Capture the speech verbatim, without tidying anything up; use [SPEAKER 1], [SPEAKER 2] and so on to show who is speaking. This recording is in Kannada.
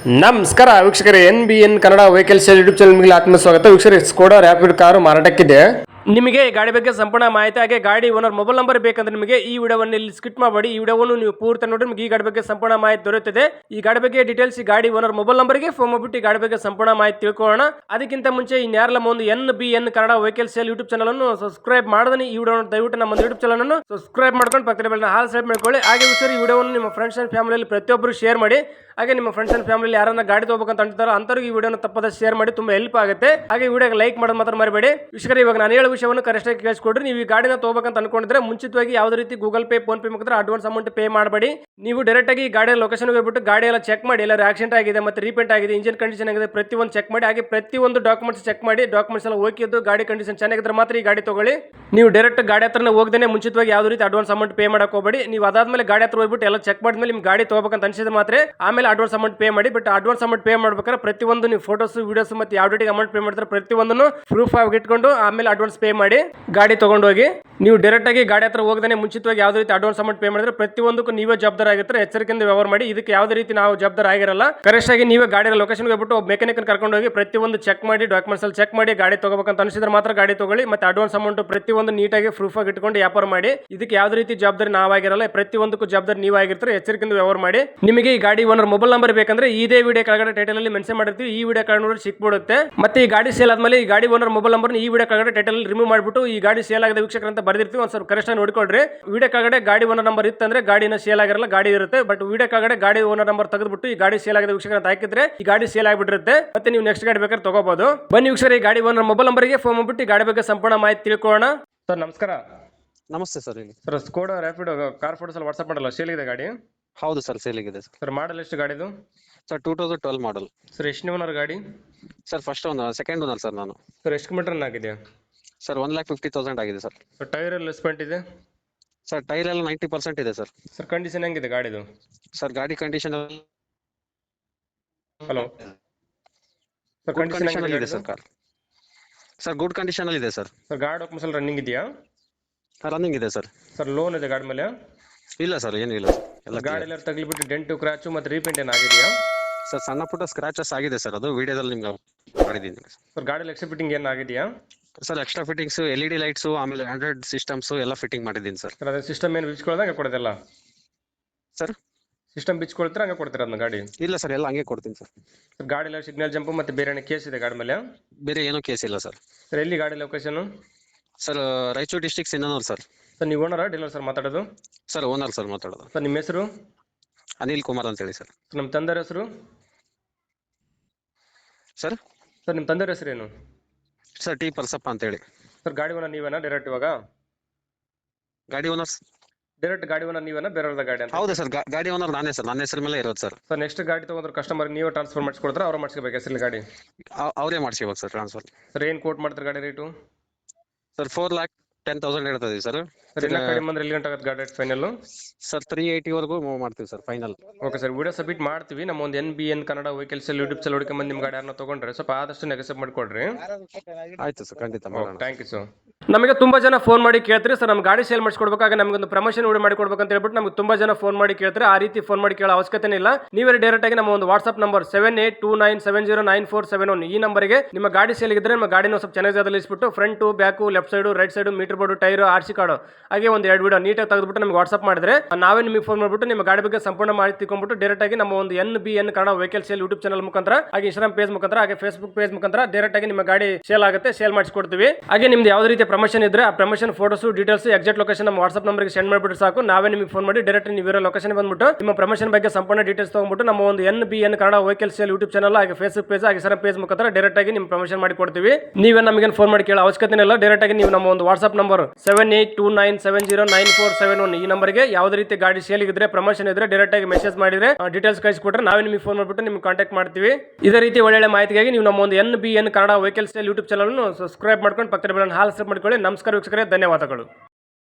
[SPEAKER 1] ನಮಸ್ಕಾರ ವೀಕ್ಷಕರೇ, N B N Kannada vehicle sale YouTube ಚಾನಲ್ಗೆ ಆತ್ಮ ಸ್ವಾಗತ. ವೀಕ್ಷಕರೇ, ಸ್ಕೋಡಾ ರ್ಯಾಪಿಡ್ ಕಾರು ಮಾರಾಟಕ್ಕಿದೆ. ನಿಮಗೆ ಈ ಗಾಡಿ ಬಗ್ಗೆ ಸಂಪೂರ್ಣ ಮಾಹಿತಿ ಹಾಗೆ ಗಾಡಿ ಓನರ್ ಮೊಬೈಲ್ ನಂಬರ್ ಬೇಕಂದ್ರೆ ನಿಮಗೆ ಈ ವಿಡಿಯೋವನ್ನು ಇಲ್ಲಿ ಸ್ಕಿಪ್ ಮಾಡಬೇಡಿ. ಈ ವಿಡಿಯೋವನ್ನು ನೀವು ಪೂರ್ತಿ ನೋಡಿ ನಿಮಗೆ ಈ ಗಾಡಿ ಬಗ್ಗೆ ಸಂಪೂರ್ಣ ಮಾಹಿತಿ ದೊರೆಯುತ್ತದೆ. ಈ ಗಾಡಿ ಬಗ್ಗೆ ಡೀಟೇಲ್ಸ್ ಈ ಗಾಡಿ ಓನರ್ ಮೊಬೈಲ್ ನಂಬರ್ಗೆ ಫೋನ್ ಮಾಡಿಬಿಟ್ಟು ಈ ಗಾಡಿ ಬಗ್ಗೆ ಸಂಪೂರ್ಣ ಮಾಹಿತಿ ತಿಳ್ಕೊಳ್ಳೋಣ. ಅದಕ್ಕಿಂತ ಮುಂಚೆ ಇನ್ಯಾರಲ್ಲ ಒಂದು N B N Kannada vehicle sale YouTube channel ಅನ್ನು ಸಬ್ಸ್ಕ್ರೈಬ್ ಮಾಡದನಿ ಈ ವಿಡಿಯೋ ದಯವಿಟ್ಟು ನಮ್ಮ ಯೂಟ್ಯೂಬ್ ಚಾನಲ್ ಅನ್ನು ಸಬ್ಸ್ಕ್ರೈಬ್ ಮಾಡ್ಕೊಂಡು ಪಕ್ಕದ ಬೆಲ್ಲ ಹಾಲ್ ಸೆಲೆಕ್ಟ್ ಮಾಡ್ಕೊಳ್ಳಿ. ಹಾಗೆ ಸರ್ ಈ ವಿಡಿಯೋವನ್ನು ನಿಮ್ಮ ಫ್ರೆಂಡ್ಸ್ ಅಂಡ್ ಫ್ಯಾಮಿಲಿಯಲ್ಲಿ ಪ್ರತಿಯೊಬ್ಬರು ಶೇರ್ ಮಾಡಿ. ಹಾಗೆ ನಿಮ್ಮ ಫ್ರೆಂಡ್ಸ್ ಅಂಡ್ ಫ್ಯಾಮಿಲಿ ಯಾರನ್ನ ಗಾಡಿ ತಗೋಬೇಕಂತ ಅಂತಾರೋ ಅಂತವ್ರಿಗೆ ಈ ವಿಡಿಯೋನ ತಪ್ಪದ ಶೇರ್ ಮಾಡಿ, ತುಂಬಾ ಹೆಲ್ಪ್ ಆಗುತ್ತೆ. ಹಾಗೆ ವಿಡಿಯೋಗೆ ಲೈಕ್ ಮಾಡೋದು ಮಾತ್ರ ಮರಿಬೇಡಿ. ವೀಕ್ಷಕರೇ, ಇವಾಗ ನಾನು ಹೇಳೋ ವಿಷಯವನ್ನು ಕರೆಕ್ಟ್ ಆಗಿ ಕೇಳಿಸ್ಕೊಡ್ರಿ. ನೀವು ಈ ಗಾಡಿನ ತಗೋಬೇಕಂತ ಅನ್ಕೊಂಡಿದ್ರೆ ಮುಂಚಿತವಾಗಿ ಯಾವುದೇ ರೀತಿ ಗೂಗಲ್ ಪೇ ಫೋನ್ ಪೇ ಮುಖಾಂತರ ಅಡ್ವಾನ್ಸ್ ಅಮೌಂಟ್ ಪೇ ಮಾಡಬೇಡಿ. ನೀವು ಡೈರೆಕ್ಟ್ ಆಗಿ ಗಾಡಿಯ ಲೊಕೇಶನ್ ಹೋಗ್ಬಿಟ್ಟು ಗಾಡಿ ಎಲ್ಲ ಚೆಕ್ ಮಾಡಿ, ಎಲ್ಲ ಆಕ್ಸಿಡೆಂಟ್ ಆಗಿದೆ ಮತ್ತೆ ರೀಪೇಂಟ್ ಆಗಿದೆ, ಇಂಜಿನ್ ಕಂಡೀಷನ್ ಆಗಿದೆ, ಪ್ರತಿಯೊಂದು ಚೆಕ್ ಮಾಡಿ. ಹಾಗೆ ಪ್ರತಿಯೊಂದು ಡಾಕ್ಯುಮೆಂಟ್ಸ್ ಚೆಕ್ ಮಾಡಿ, ಡಾಕ್ಯುಮೆಂಟ್ಸ್ ಎಲ್ಲ ಓಕೆ ಇದ್ದು ಗಾಡಿ ಕಂಡೀಷನ್ ಚೆನ್ನಾಗಿದ್ರೆ ಮಾತ್ರ ಈ ಗಾಡಿ ತಗೊಳ್ಳಿ. ನೀವು ಡೈರೆಕ್ಟ್ ಗಾಡಿ ಹತ್ರನೇ ಹೋಗದೇನೆ ಮುಂಚಿತವಾಗಿ ಯಾವುದೇ ರೀತಿ ಅಡ್ವಾನ್ಸ್ ಅಮೌಂಟ್ ಪೇ ಮಾಡಕ್ ಹೋಗಬೇಡಿ. ನೀವು ಅದಾದ್ಮೇಲೆ ಗಾಡಿ ಹತ್ರ ಹೋಗ್ಬಿಟ್ಟು ಎಲ್ಲ ಚೆಕ್ ಮಾಡಿದ್ಮೇಲೆ ನಿಮ್ ಗಾಡಿ ತಗೋಬೇಕಂತ ಅನ್ಸಿದ್ರೆ ಮಾತ್ರ ಆಮೇಲೆ ಅಡ್ವಾನ್ಸ್ ಅಮೌಂಟ್ ಪೇ ಮಾಡಿ. ಬಟ್ ಅಡ್ವಾನ್ಸ್ ಅಮೌಂಟ್ ಪೇ ಮಾಡ್ಬೇಕಾದ್ರೆ ಪ್ರತಿಯೊಂದು ನೀವು ಫೋಟೋಸ್ ವಿಡಿಯೋಸ್ ಮತ್ತೆ ಯಾವ ಡೇಟಿಗೆ ಅಮೌಂಟ್ ಪೇ ಮಾಡ್ತಾರೆ ಪ್ರತಿಯೊಂದನ್ನು ಪ್ರೂಫ್ ಆಗಿ ಇಟ್ಕೊಂಡು ಆಮೇಲೆ ಅಡ್ವಾನ್ಸ್ ಪೇ ಮಾಡಿ ಗಾಡಿ ತಗೊಂಡು ಹೋಗಿ. ನೀವು ಡೈರೆಕ್ಟ್ ಆಗಿ ಗಾಡಿ ಹತ್ರ ಹೋಗದೇ ಮುಂಚಿತವಾಗಿ ಯಾವುದೇ ರೀತಿ ಅಡ್ವಾನ್ಸ್ ಅಮೌಂಟ್ ಪೇ ಮಾಡಿದ್ರೆ ಪ್ರತಿಯೊಂದಕ್ಕೂ ನೀವೇ ಜವಾಬ್ದಾರ ಆಗಿರ್ತಾರೆ. ಎಚ್ಚರಿಕೆಯಿಂದ ವ್ಯವಹಾರ ಮಾಡಿ. ಇದಕ್ಕೆ ಯಾವುದೇ ರೀತಿ ನಾವು ಜವಾಬ್ದಾರ ಆಗಿರಲ್ಲ. ಕರೆಕ್ಟ್ ಆಗಿ ನೀವೇ ಗಾಡಿ ಲೊಕೇಶನ್ ಹೋಗ್ಬಿಟ್ಟು ಮೆಕ್ಯಾನಿಕ್ ಕರ್ಕೊಂಡು ಹೋಗಿ ಪ್ರತಿಯೊಂದು ಚೆಕ್ ಮಾಡಿ, ಡಾಕ್ಯುಮೆಂಟ್ಸ್ ಅಲ್ಲಿ ಚೆಕ್ ಮಾಡಿ ಗಾಡಿ ತಗೋಬೇಕಂತ ಅನಿಸಿದ್ರೆ ಮಾತ್ರ ಗಾಡಿ ತಗೊಳ್ಳಿ. ಮತ್ತೆ ಅಡ್ವಾನ್ಸ್ ಅಮೌಂಟ್ ಪ್ರತಿಯೊಂದು ನೀಟಾಗಿ ಪ್ರೂಫ್ ಆಗಿ ಇಟ್ಕೊಂಡು ವ್ಯಾಪಾರ ಮಾಡಿ. ಇದಕ್ಕೆ ಯಾವುದೇ ರೀತಿ ಜವಾಬ್ದಾರಿ ನಾವಾಗಿರಲ್ಲ. ಪ್ರತಿಯೊಂದಕ್ಕೂ ಜವಾಬ್ದಾರಿ ನೀವಾಗಿರ್ತಾರೆ. ಎಚ್ಚರಿಕೆಯಿಂದ ವ್ಯವಹಾರ ಮಾಡಿ. ನಿಮಗೆ ಈ ಗಾಡಿ ಓನರ್ ಮೊಬೈಲ್ ನಂಬರ್ ಬೇಕಂದ್ರೆ ಇದೇ ವಿಡಿಯೋ ಕೆಳಗಡೆ ಟೈಟಲ್ ಅಲ್ಲಿ ಮೆನ್ಷನ್ ಮಾಡಿರ್ತೀವಿ. ಈ ವಿಡಿಯೋ ಕೆಳಗಡೆ ನೋಡಿ ಸಿಕ್ಬಿಡುತ್ತೆ. ಮತ್ತೆ ಈ ಗಾಡಿ ಸೇಲ್ ಆದ್ಮೇಲೆ ಈ ಗಾಡಿ ಓನರ್ ಮೊಬೈಲ್ ನಂಬರ್ ಈ ವಿಡಿಯೋ ಕೆಳಗಡೆ ಟೈಟಲ್ ರಿಮೂವ್ ಮಾಡಿಬಿಟ್ಟು ಈ ಗಾಡಿ ಸೇಲ್ ಆಗಿದೆ ವೀಕ್ಷಕರು ಅಂತ ಬರ್ದಿರ್ತೀವಿ. ಒಂದ್ ಸ್ವಲ್ಪ ಕರೆಕ್ಟ್ ಆಗಿ ನೋಡ್ಕೊಳ್ರಿ. ವಿಡಿಯೋ ಕೆಳಗಡೆ ಗಾಡಿ ಓನರ್ ನಂಬರ್ ಇತ್ತಂದ್ರೆ ಗಾಡಿನ ಸೇಲ್ ಆಗಿರಲ್ಲ, ಗಾಡಿ ಇರುತ್ತೆ. ಬಟ್ ವಿಡಿಯೋ ಕೆಳಗಡೆ ಗಾಡಿ ಓನರ್ ನಂಬರ್ ತೆಗೆದ್ಬಿಟ್ಟು ಈ ಗಾಡಿ ಸೇಲ್ ಆಗಿದೆ ವೀಕ್ಷಕರು ಅಂತ ಹಾಕಿದ್ರೆ ಈ ಗಾಡಿ ಸೇಲ್ ಆಗಿಬಿಟ್ಟಿರುತ್ತೆ. ಮತ್ತೆ ನೀವು ನೆಕ್ಸ್ಟ್ ಗಾಡಿ ಬೇಕಾದ್ರೆ ತಗೋಬಹುದು. ಬನ್ನಿ ವೀಕ್ಷಕರು, ಈ ಗಾಡಿ ಓನರ್ ಮೊಬೈಲ್ ನಂಬರ್ಗೆ ಫೋನ್ ಮಾಡ್ಬಿಟ್ಟು ಈ ಗಾಡಿ ಬಗ್ಗೆ ಸಂಪೂರ್ಣ ಮಾಹಿತಿ ತಿಳ್ಕೊಳ್ಳೋಣ. ಸರ್ ನಮಸ್ಕಾರ.
[SPEAKER 2] ನಮಸ್ತೆ ಸರ್. ಹೇಳಿ
[SPEAKER 1] sir, Skoda Rapid car photos ಅಲ್ಲಿ ವಾಟ್ಸ್ಆಪ್ ಮಾಡಲ್ಲ, ಸೇಲ್ ಇದೆ ಗಾಡಿ?
[SPEAKER 2] ಹೌದು ಸರ್, ಸೇಲಿಗಿದೆ ಸರ್.
[SPEAKER 1] ಸರ್ ಮಾಡಲ್ ಎಷ್ಟು ಗಾಡಿದು?
[SPEAKER 2] Sir two thousand twelve model.
[SPEAKER 1] Sir ಎಷ್ಟು ಓನರ್ ಗಾಡಿ?
[SPEAKER 2] Sir first owner, second owner sir ನಾನು.
[SPEAKER 1] ಸರ್ ಎಷ್ಟು ಕಿಲೋಮೀಟರ್ ರನ್ ಆಗಿದೆ?
[SPEAKER 2] Sir one lakh fifty thousand ಆಗಿದೆ ಸರ್.
[SPEAKER 1] ಸರ್ ಟೈರ್ ಎಲ್ಲ ಸ್ಪೆಂಟ್ ಇದೆ?
[SPEAKER 2] ಸರ್ ಟೈರ್ ಎಲ್ಲ ನೈಂಟಿ ಪರ್ಸೆಂಟ್ ಇದೆ ಸರ್.
[SPEAKER 1] ಸರ್ ಕಂಡೀಷನ್ ಹೆಂಗಿದೆ ಗಾಡಿದು?
[SPEAKER 2] ಸರ್ ಗಾಡಿ condition
[SPEAKER 1] hello sir,
[SPEAKER 2] good condition ಅಲ್ಲಿ ಇದೆ sir. Car sir good condition ಅಲ್ಲಿ ಇದೆ ಸರ್.
[SPEAKER 1] ಸರ್ ಗಾಡಿ ಡಾಕ್ಯುಮೆಂಟ್ಸ್ ಎಲ್ಲ ರನ್ನಿಂಗ್ ಇದೆಯಾ?
[SPEAKER 2] ರನ್ನಿಂಗ್ ಇದೆ ಸರ್.
[SPEAKER 1] ಸರ್ ಲೋನ್ ಇದೆ ಗಾಡಿ ಮೇಲೆ?
[SPEAKER 2] ಇಲ್ಲ ಸರ್, ಏನು ಇಲ್ಲ ಸರ್. ಎಲ್ಲ
[SPEAKER 1] ಗಾಡಿ ಎಲ್ಲ ತಗಲಿಬಿಟ್ಟು ಡೆಂಟು ಕ್ರಾಚು ಮತ್ತೆ ರೀಪೇಂಟ್ ಏನಾಗಿದೆಯಾ?
[SPEAKER 2] ಸರ್ ಸಣ್ಣ ಪುಟ್ಟ ಸ್ಕ್ರಾಚಸ್ ಆಗಿದೆ ಸರ್, ಅದು ವಿಡಿಯೋದಲ್ಲಿ ನಿಮ್ಗೆ ಮಾಡಿದ್ದೀನಿ.
[SPEAKER 1] ಸರ್ ಗಾಡಿ ಎಕ್ಸ್ಟ್ರಾ ಫಿಟ್ಟಿಂಗ್ ಏನು ಆಗಿದೆಯಾ?
[SPEAKER 2] Sir extra fittings, L E D lights, ಆಮೇಲೆ ಆಂಡ್ರಾಯ್ಡ್ ಸಿಸ್ಟಮ್ಸ್ ಎಲ್ಲ ಫಿಟ್ಟಿಂಗ್ ಮಾಡಿದ್ದೀನಿ ಸರ್.
[SPEAKER 1] ಸರ್ ಅದೇ ಸಿಸ್ಟಮ್ ಏನು ಬಿಚ್ಕೊಳ್ಳೋದಾಗ ಕೊಡೋದಿಲ್ಲ
[SPEAKER 2] ಸರ್?
[SPEAKER 1] ಸಿಸ್ಟಮ್ ಬಿಚ್ಕೊಳ್ತೀರಾ ಹಂಗೆ ಕೊಡ್ತೀರಾ ಅದನ್ನ ಗಾಡಿ?
[SPEAKER 2] ಇಲ್ಲ ಸರ್, ಎಲ್ಲ ಹಂಗೆ ಕೊಡ್ತೀನಿ ಸರ್.
[SPEAKER 1] ಸರ್ ಗಾಡಿ ಎಲ್ಲ ಸಿಗ್ನಲ್ ಜಂಪ್ ಮತ್ತೆ ಬೇರೆ ಏನೋ ಕೇಸ್ ಇದೆ ಗಾಡಿ ಮೇಲೆ?
[SPEAKER 2] ಬೇರೆ ಏನೂ ಕೇಸ್ ಇಲ್ಲ ಸರ್.
[SPEAKER 1] ಸರ್ ಎಲ್ಲಿ ಗಾಡಿ location?
[SPEAKER 2] Sir Raichur district Sindhanur sir.
[SPEAKER 1] Sir ನೀವು ಓನರಾ ಡೀಲರ್ ಸರ್ ಮಾತಾಡೋದು?
[SPEAKER 2] ಸರ್ ಓನರ್ ಸರ್ ಮಾತಾಡೋದು.
[SPEAKER 1] ಸರ್ ನಿಮ್ಮ ಹೆಸರು?
[SPEAKER 2] ಅನಿಲ್ ಕುಮಾರ್ ಅಂತ ಹೇಳಿ ಸರ್.
[SPEAKER 1] ನಮ್ಮ ತಂದೆಯ ಹೆಸರು?
[SPEAKER 2] ಸರ್
[SPEAKER 1] ಸರ್ ನಿಮ್ಮ ತಂದೆಯ ಹೆಸರೇನು?
[SPEAKER 2] ಸರ್ ಟಿ ಪರ್ಸಪ್ಪ ಅಂತ ಹೇಳಿ.
[SPEAKER 1] ಸರ್ ಗಾಡಿ ಓನರ್ ನೀವೇನಾ ಡೈರೆಕ್ಟ್ ಇವಾಗ?
[SPEAKER 2] ಗಾಡಿ ಓನರ್
[SPEAKER 1] ಡೈರೆಕ್ಟ್ ಗಾಡಿ ಓನರ್ ನೀವೇನಾ ಬೇರೆಯವ್ರದ ಗಾಡಿ ಅಂತ?
[SPEAKER 2] ಹೌದಾ ಸರ್, ಗಾಡಿ ಓನರ್ ನಾನೇ ಸರ್, ನನ್ನ ಹೆಸರು ಮೇಲೆ ಇರೋದು ಸರ್.
[SPEAKER 1] ಸರ್ ನೆಕ್ಸ್ಟ್ ಗಾಡಿ ತಗೊಂಡ್ರೆ ಕಸ್ಟಮರ್ ನೀವೇ ಟ್ರಾನ್ಸ್ಫರ್ ಮಾಡಿಸ್ಕೊಡ್ತಾರೆ ಅವ್ರು ಮಾಡಿಸ್ಕೋಬೇಕು ಹೆಸರಲ್ಲಿ ಗಾಡಿ?
[SPEAKER 2] ಅವರೇ ಮಾಡಿಸ್ಕೋಬೇಕು ಸರ್ ಟ್ರಾನ್ಸ್ಫರ್.
[SPEAKER 1] ಸರ್ ಏನು ಕೋಟ್ ಮಾಡ್ತಾರೆ ಗಾಡಿ rate?
[SPEAKER 2] Sir four lakh ten thousand ಹೇಳ್ತಾ ಇದೀವಿ ಸರ್.
[SPEAKER 1] ಸರ್ ಇನ್ನ ಕಡಿಮೆ ಅಂದ್ರೆ ಎಲ್ಲಿ ಗಂಟೆ ಆಗುತ್ತೆ ಗಾಡಿ rate final?
[SPEAKER 2] Sir three eighty ವರೆಗೂ ಮೂವ್ ಮಾಡ್ತೀವಿ sir final.
[SPEAKER 1] Okay sir, video submit ಮಾಡ್ತೀವಿ. ನಮ್ಮ ಒಂದು N B N Kannada vehicle sale YouTube channel ಹುಡುಕಿ ಬಂದು ನಿಮ್ಮ ಗಾಡಿ ಯಾರನ್ನ ತಗೊಂಡ್ರೆ ಸ್ವಲ್ಪ ಆದಷ್ಟು ನೆಗೆಸಪ್ ಮಾಡಿಕೊಡ್ರಿ.
[SPEAKER 2] ಆಯ್ತು ಸರ್, ಖಂಡಿತ ಮಾಡೋಣ.
[SPEAKER 1] Thank you sir. ನಮಗೆ ತುಂಬಾ ಜನ ಫೋನ್ ಮಾಡಿ ಕೇಳ್ತಾರೆ ಸರ್ ನಮ್ಮ ಗಾಡಿ ಸೇಲ್ ಮಾಡಿಸ್ಕೊಡ್ಬೇಕಾಗ ನಮಗೊಂದು ಪ್ರಮೋಷನ್ ವಿಡಿಯೋ ಮಾಡಿ ಕೊಡ್ಬೇಕು ಅಂತ ಹೇಳ್ಬಿಟ್ಟು ನಮಗೆ ತುಂಬಾ ಜನ ಫೋನ್ ಮಾಡಿ ಕೇಳ್ತಾರೆ. ಆ ರೀತಿ ಫೋನ್ ಮಾಡಿ ಕೇಳೋ ಅವಶ್ಯಕತೆ ಇಲ್ಲ. ನೀವೇ ಡೈರೆಕ್ಟ್ ಆಗಿ ನಮ್ಮ ಒಂದು WhatsApp number seven eight two nine seven zero nine four seven one ಈ ನಂಬರ್ಗೆ ನಿಮ್ಮ ಗಾಡಿ ಸೇಲ್ ಇದ್ರೆ ನಿಮ್ಮ ಗಾಡಿನ ಸ್ವಲ್ಪ ಚೆನ್ನಾಗಿ ಜಾಗದಲ್ಲಿ front back left side right side meter board tyre R C card ಹಾಗೆ ಒಂದು ಎರಡು ವಿಡಿಯೋ ನೀಟಾಗಿ ತೆಗೆದುಬಿಟ್ಟು ನಮಗೆ ವಾಟ್ಸ್ಆಪ್ ಮಾಡಿದ್ರೆ ನಾವೇ ನಿಮಗೆ ಫೋನ್ ಮಾಡಿಬಿಟ್ಟು ನಿಮ್ಮ ಗಾಡಿ ಬಗ್ಗೆ ಸಂಪೂರ್ಣ ಮಾಹಿತಿ ತಿಳ್ಕೊಂಡ್ಬಿಟ್ಟು ಡೈರೆಕ್ಟ್ ಆಗಿ ನಮ್ಮ ಒಂದು N B N Kannada vehicle sale YouTube channel ಮುಖಾಂತರ ಹಾಗೆ ಇನ್ಸ್ಟಾಗ್ರಾಮ್ ಪೇಜ್ ಮುಖಾಂತರ ಹಾಗೆ ಫೇಸ್ಬುಕ್ ಪೇಜ್ ಮುಖಾಂತರ ಡೈರೆಕ್ಟ್ ಆಗಿ ನಿಮ್ಮ ಗಾಡಿ ಸೇಲ್ ಆಗುತ್ತೆ, ಸೇಲ್ ಮಾಡಿಸ್ಕೊಡ್ತೀವಿ. ಹಾಗೆ ನಿಮ್ದು ಯಾವುದೇ ರೀತಿಯ ಪ್ರಮೋಷನ್ ಇದ್ರೆ ಆ promotion photos details exact location ನಮ್ಮ ವಾಟ್ಸ್ಆಪ್ ನಂಬರ್ಗೆ ಸೆಂಡ್ ಮಾಡಿಬಿಟ್ಟು ಸಾಕು. ನಾವೇ ನಿಮಗೆ ಫೋನ್ ಮಾಡಿ ಡೈರೆಕ್ಟ್ ನೀವು ಇರೋ ಲೊಕೇಶನ್ ಬಂದ್ಬಿಟ್ಟು ನಿಮ್ಮ ಪ್ರಮೋಷನ್ ಬಗ್ಗೆ ಸಂಪೂರ್ಣ ಡೀಟೇಲ್ಸ್ ತಗೊಂಡ್ಬಿಟ್ಟು ನಮ್ಮ ಒಂದು N B N Kannada vehicle sale YouTube channel ಹಾಗೆ ಫೇಸ್ಬುಕ್ ಪೇಜ್ ಹಾಗೆ ಇನ್ಸ್ಟಾಗ್ರಾಮ್ ಪೇಜ್ ಮುಖಾಂತರ ಡೈರೆಕ್ಟ್ ಆಗಿ ನಿಮ್ಮ ಪ್ರಮೋಷನ್ ಮಾಡಿ ಕೊಡ್ತೀವಿ. ನೀವೇ ನಮಗೆ ಫೋನ್ ಮಾಡಿ ಕೇಳೋ ಅವಶ್ಯಕತೆ ಇಲ್ಲ. ಡೈರೆಕ್ಟ್ ಆಗಿ ನೀವು ನಮ್ಮ ಒಂದು WhatsApp number seven eight two nine seven zero nine four seven one ಈ ನಂಬರ್ಗೆ ಯಾವುದೇ ರೀತಿ ಗಾಡಿ ಸೇಲ್ ಇದ್ರೆ ಪ್ರಮೋಷನ್ ಇದ್ರೆ ಡೈರೆಕ್ಟ್ ಆಗಿ ಮೆಸೇಜ್ ಮಾಡಿದ್ರೆ ಡೀಟೇಲ್ಸ್ ಕಳಿಸಿಕೊಟ್ರೆ ನಾವೇ ನಿಮಗೆ ಫೋನ್ ಮಾಡಿಬಿಟ್ಟು ನಿಮ್ಗೆ ಕಾಂಟ್ಯಾಕ್ಟ್ ಮಾಡ್ತೀವಿ. ಇದೇ ರೀತಿ ಒಳ್ಳೆ ಮಾಹಿತಿಗಾಗಿ ನೀವು ನಮ್ಮ ಒಂದು N B N Kannada vehicle sale YouTube channel subscribe ಮಾಡ್ಕೊಂಡು ಪಕ್ಕದ ಬೆಲ್ಲ ಹಾಲ್ ಸಬ್ ಮಾಡ್ಕೊಳ್ಳಿ. ನಮಸ್ಕಾರ ವೀಕ್ಷಕರೇ, ಧನ್ಯವಾದಗಳು.